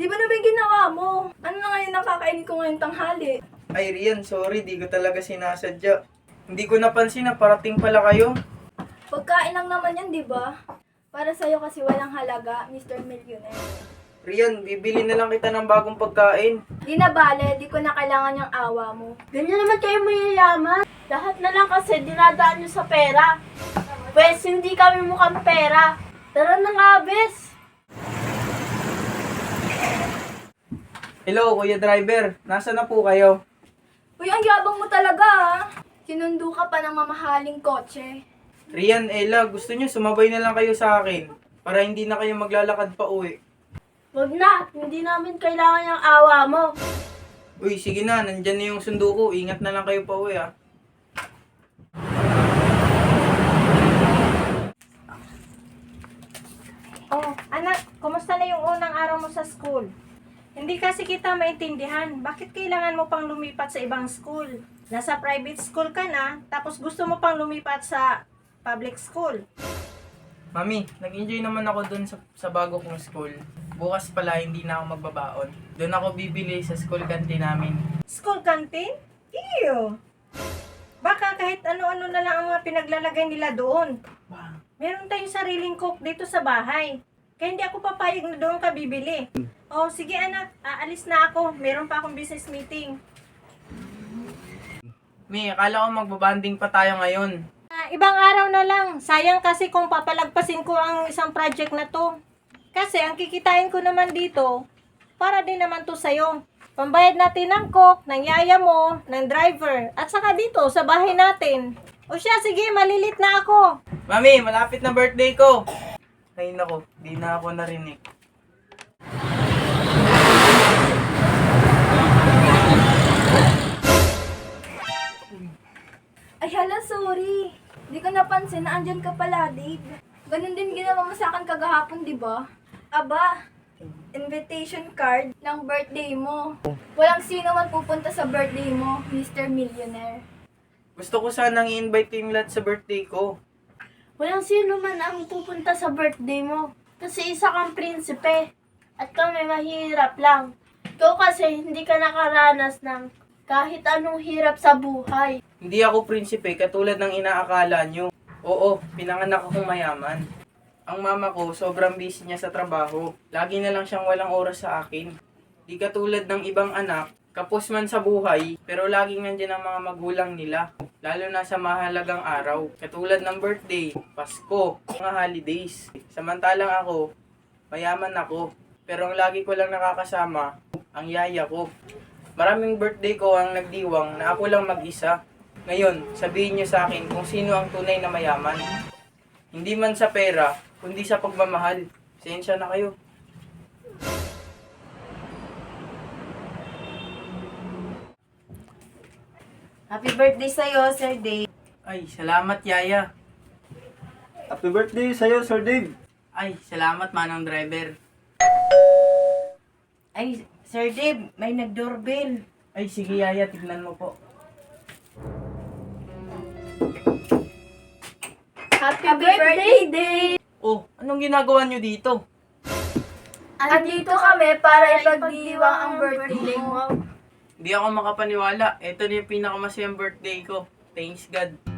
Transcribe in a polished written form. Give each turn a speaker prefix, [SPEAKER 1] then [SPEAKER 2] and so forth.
[SPEAKER 1] Di ba na ba yung ginawa mo? Ano na ngayon nakakainin ko ngayong tanghali?
[SPEAKER 2] Ay, Rian, sorry, di ko talaga sinasadya. Hindi ko napansin na parating pala kayo.
[SPEAKER 1] Pagkain lang naman yan, di ba? Para sa'yo kasi walang halaga, Mr. Millionaire.
[SPEAKER 2] Rian, bibili na lang kita ng bagong pagkain.
[SPEAKER 1] Di na bale, di ko na kailangan yung awa mo.
[SPEAKER 3] Ganyan naman kayo mayayaman. Lahat na lang kasi dinadaan nyo sa pera. Pwes, hindi kami mukhang pera. Tara na nga, bes.
[SPEAKER 2] Hello, Kuya Driver. Nasaan na po kayo?
[SPEAKER 1] Uy, ang yabang mo talaga ah. Sinundo ka pa ng mamahaling kotse.
[SPEAKER 2] Rian, Ella, gusto niyo sumabay na lang kayo sa akin para hindi na kayo maglalakad pa uwi.
[SPEAKER 3] Wag na, hindi namin kailangan yung awa mo.
[SPEAKER 2] Uy, sige na, nandyan na yung sundo ko. Ingat na lang kayo pa uwi, ah.
[SPEAKER 4] Oh, anak, kumusta na yung unang araw mo sa school? Hindi kasi kita maintindihan. Bakit kailangan mo pang lumipat sa ibang school? Nasa private school ka na, tapos gusto mo pang lumipat sa public school.
[SPEAKER 2] Mami, nag-enjoy naman ako dun sa bago kong school. Bukas pala, hindi na ako magbabaon. Doon ako bibili sa school canteen namin.
[SPEAKER 4] School canteen? Ew! Baka kahit ano-ano na lang ang mga pinaglalagay nila doon.
[SPEAKER 2] Wow.
[SPEAKER 4] Meron tayong sariling cook dito sa bahay. Kaya hindi ako papayag na doon ka bibili. Oh, sige anak, aalis na ako. Meron pa akong business meeting.
[SPEAKER 2] Mi, akala ko magbabanding pa tayo ngayon.
[SPEAKER 4] Ibang araw na lang. Sayang kasi kung papalagpasin ko ang isang project na to. Kasi ang kikitain ko naman dito, para din naman to sa'yo. Pambayad natin ng cook, ng yaya mo, ng driver, at saka dito sa bahay natin. O siya, sige, malilit na ako.
[SPEAKER 2] Mami, malapit na birthday ko! Ay nako, di na ako narinig.
[SPEAKER 1] Ay hala, sorry. Di ko napansin na andyan ka pala, Dave. Ganun din ginawa mo sa akin kagahapon, di ba? Aba, invitation card ng birthday mo. Walang sino man pupunta sa birthday mo, Mr. Millionaire.
[SPEAKER 2] Gusto ko sanang i-invite yung lahat sa birthday ko.
[SPEAKER 3] Walang sino man ang pupunta sa birthday mo. Kasi isa kang prinsipe. At kami mahirap lang. Ikaw kasi hindi ka nakaranas ng kahit anong hirap sa buhay.
[SPEAKER 2] Hindi ako prinsipe katulad ng inaakala nyo. Oo, pinanganak akong mayaman. Ang mama ko, sobrang busy niya sa trabaho. Lagi na lang siyang walang oras sa akin. Di katulad ng ibang anak, kapos man sa buhay, pero laging nandiyan ang mga magulang nila. Lalo na sa mahalagang araw, katulad ng birthday, Pasko, mga holidays. Samantalang ako, mayaman ako, pero ang lagi ko lang nakakasama, ang yaya ko. Maraming birthday ko ang nagdiwang na ako lang mag-isa. Ngayon, sabihin niyo sa akin kung sino ang tunay na mayaman. Hindi man sa pera, kundi sa pagmamahal. Sensya na kayo.
[SPEAKER 5] Happy birthday sa'yo, Sir Dave.
[SPEAKER 2] Ay, salamat yaya.
[SPEAKER 6] Happy birthday sa'yo, Sir Dave.
[SPEAKER 2] Ay, salamat manang driver.
[SPEAKER 5] Ay, Sir Dave, may nag-doorbell.
[SPEAKER 2] Ay, sige yaya, tignan mo po.
[SPEAKER 1] Happy birthday, Dave!
[SPEAKER 2] Oh, anong ginagawa niyo dito?
[SPEAKER 1] Andito kami para ipagdiwang ang birthday mo.
[SPEAKER 2] Hindi ako makapaniwala. Ito na yung pinakamasayang birthday ko. Thanks God.